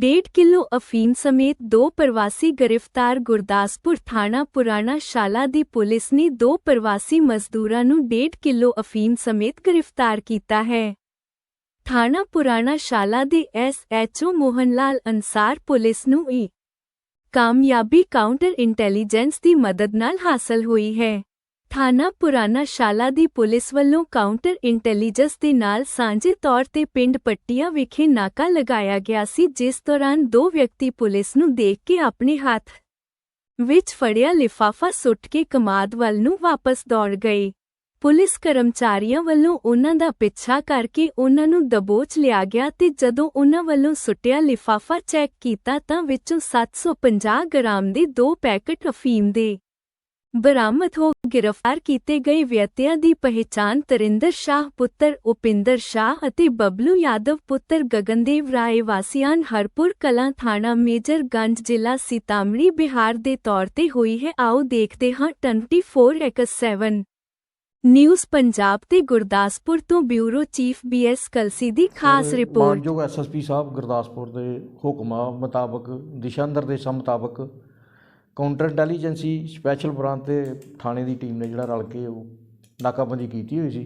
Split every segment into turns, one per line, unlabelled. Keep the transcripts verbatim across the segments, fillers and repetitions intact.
डेढ़ किलो अफीम समेत दो प्रवासी गिरफ्तार। गुरदासपुर थाना पुराना शाला दी पुलिस ने दो प्रवासी मजदूरां नूं डेढ़ किलो अफीम समेत गिरफ्तार कीता है। थाना पुराना शाला दे S H O Mohan Lal Ansar police नूं ई कामयाबी काउंटर इंटैलीजेंस दी मदद नाल हासिल हुई है। थाना पुराना शाला दी पुलिस वल्लों काउंटर इंटैलीजेंस दे नाल सांझे तौर ते पिंड पट्टिया विखे नाका लगाया गया सी, जिस दौरान दो व्यक्ति पुलिस नूं देख के अपने हाथ विच फड़िया लिफाफा सुट के कमाद वल नूं वापस दौड़ गए। पुलिस कर्मचारियों वल्लों उन्हां दा पिछा करके उन्हां नूं दबोच लिया गया ते जदों उन्हां वल्लों सुटिया लिफाफा चैक कीता तां विचों सत्त सौ पचास ग्राम दे दो पैकेट अफीम दे बरामद हो। गिरफ्तार किए गए व्यक्तियों की पहचान तरिंदर शाह पुत्र उपिंदर शाह अते बबलू यादव पुत्र गगनदेव राय वासियान हरपुर कलां थाना मेजरगंज जिला सीतामढ़ी बिहार के तौर ते हुई है। आओ देखते हाँ twenty four x seven news Punjab ते गुरदासपुर तो bureau chief B S Kalsi दी खास रिपोर्ट।
मानयोग एस एस पी साहब गुरदासपुर के हुक्मां मुताबक दिशा निर्देशों मुताबक काउंटर इंटैलीजेंसी स्पैशल ब्रांच ते थाने की टीम ने जिहड़ा रल के नाकाबंदी की हुई सी।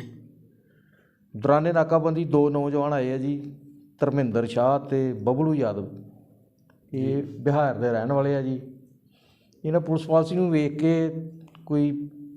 दौराने नाकाबंदी दो नौजवान आए है जी, धर्मिंदर शाह ते बबलू यादव, ये बिहार के रहने वाले है जी। इन्हें पुलिस पॉलिसी नूं वेख के कोई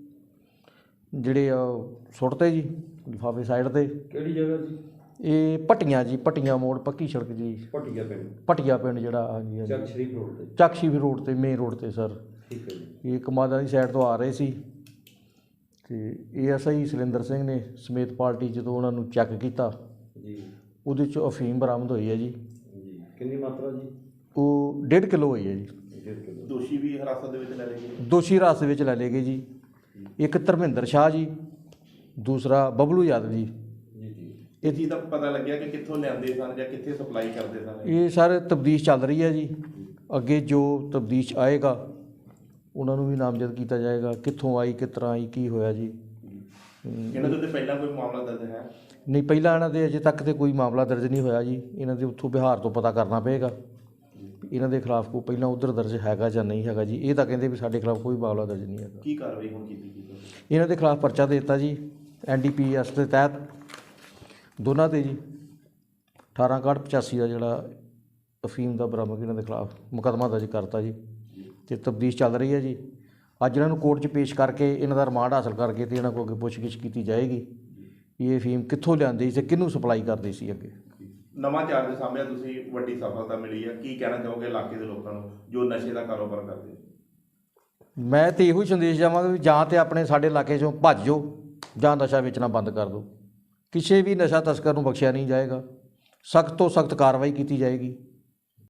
जिहड़े सुट्टते जी लिफाफे साइड ते।
किहड़ी जगह जी?
ये भट्टियां जी, भट्टियां मोड़ पक्की सड़क जी,
भट्टिया पिंड
भट्टिया पिंड जिहड़ा हाँ जी
चक शरीफ रोड ते
चक शरीफ रोड ते मेन रोड ते सर।
ठीक है जी।
ये कमादा की साइड तो आ रहे सी ते A S I Salinder Singh ने समेत पार्टी जो उन्होंने चैक किया
जी,
उहदे चों अफीम बरामद हुई है जी।
जी कितनी मात्रा जी?
वो डेढ़ किलो हुई है जी।
डेढ़ किलो।
दोषी भी हिरासत दे विच लै लए गए?
दोषी हिरासत विच लै लए गए जी। एक धर्मिंदर शाह जी, दूसरा बबलू यादव जी।
ਇਹ ਚੀਜ਼ ਦਾ ਪਤਾ ਲੱਗਿਆ ਕਿ ਕਿੱਥੋਂ ਲਿਆਂਦੇ ਸਨ ਜਾਂ ਕਿੱਥੇ ਸਪਲਾਈ ਕਰਦੇ ਸਨ?
ਇਹ ਸਾਰੇ ਤਬਦੀਸ਼ ਚੱਲ ਰਹੀ ਹੈ ਜੀ। ਅੱਗੇ ਜੋ ਤਬਦੀਸ਼ ਆਏਗਾ ਉਹਨਾਂ ਨੂੰ ਵੀ ਨਾਮਜ਼ਦ ਕੀਤਾ ਜਾਏਗਾ, ਕਿੱਥੋਂ ਆਈ, ਕਿਸ ਤਰ੍ਹਾਂ ਆਈ, ਕੀ ਹੋਇਆ ਜੀ।
ਇਹਨਾਂ ਦੇ ਉੱਤੇ ਪਹਿਲਾਂ ਕੋਈ ਮਾਮਲਾ ਦਰਜ ਹੈ?
ਨਹੀਂ, ਪਹਿਲਾਂ ਇਹਨਾਂ ਦੇ ਅਜੇ ਤੱਕ ਤੇ ਕੋਈ ਮਾਮਲਾ ਦਰਜ ਨਹੀਂ ਹੋਇਆ ਜੀ। ਇਹਨਾਂ ਦੇ ਉੱਥੋਂ ਬਿਹਾਰ ਤੋਂ ਪਤਾ ਕਰਨਾ ਪਏਗਾ ਇਹਨਾਂ ਦੇ ਖਿਲਾਫ ਕੋਈ ਪਹਿਲਾਂ ਉੱਧਰ ਦਰਜ ਹੈਗਾ ਜਾਂ ਨਹੀਂ ਹੈਗਾ ਜੀ। ਇਹ ਤਾਂ ਕਹਿੰਦੇ ਵੀ ਸਾਡੇ ਖਿਲਾਫ ਕੋਈ ਮਾਮਲਾ ਦਰਜ ਨਹੀਂ ਹੈਗਾ।
ਕੀ ਕਾਰਵਾਈ ਹੁਣ ਕੀਤੀ ਗਈ?
ਇਹਨਾਂ ਦੇ ਖਿਲਾਫ ਪਰਚਾ ਦੇ ਦਿੱਤਾ ਜੀ ਐਨ ਡੀ ਪੀ ਐਸ ਦੇ ਤਹਿਤ दोनों ते जी अठारह काठ पचासी का जोड़ा अफीम का बरामद इन्हों के खिलाफ मुकदमा दर्ज करता जी। तो तफ्तीश चल रही है जी। अज इन्हों कोर्ट च पेश करके इन्हों का रिमांड हासिल करके तो इन्हों को अगे पुछगिछ की जाएगी ये अफीम कित्थों लिआंदी सी, किहनूं सप्लाई करदी सी। अगे
नवां चार्ज सामने तुसीं वड्डी सफलता मिली है, की कहना चाहोगे इलाके के लोगों को जो नशे का कारोबार करते?
मैं तो इहो संदेश देवांगा भी जां ते अपने साडे इलाके चों भज जाओ जां नशा बेचना बंद कर दो। किसी भी नशा तस्कर नूं बख्शिया नहीं जाएगा, सख्त तो सख्त कार्रवाई की जाएगी।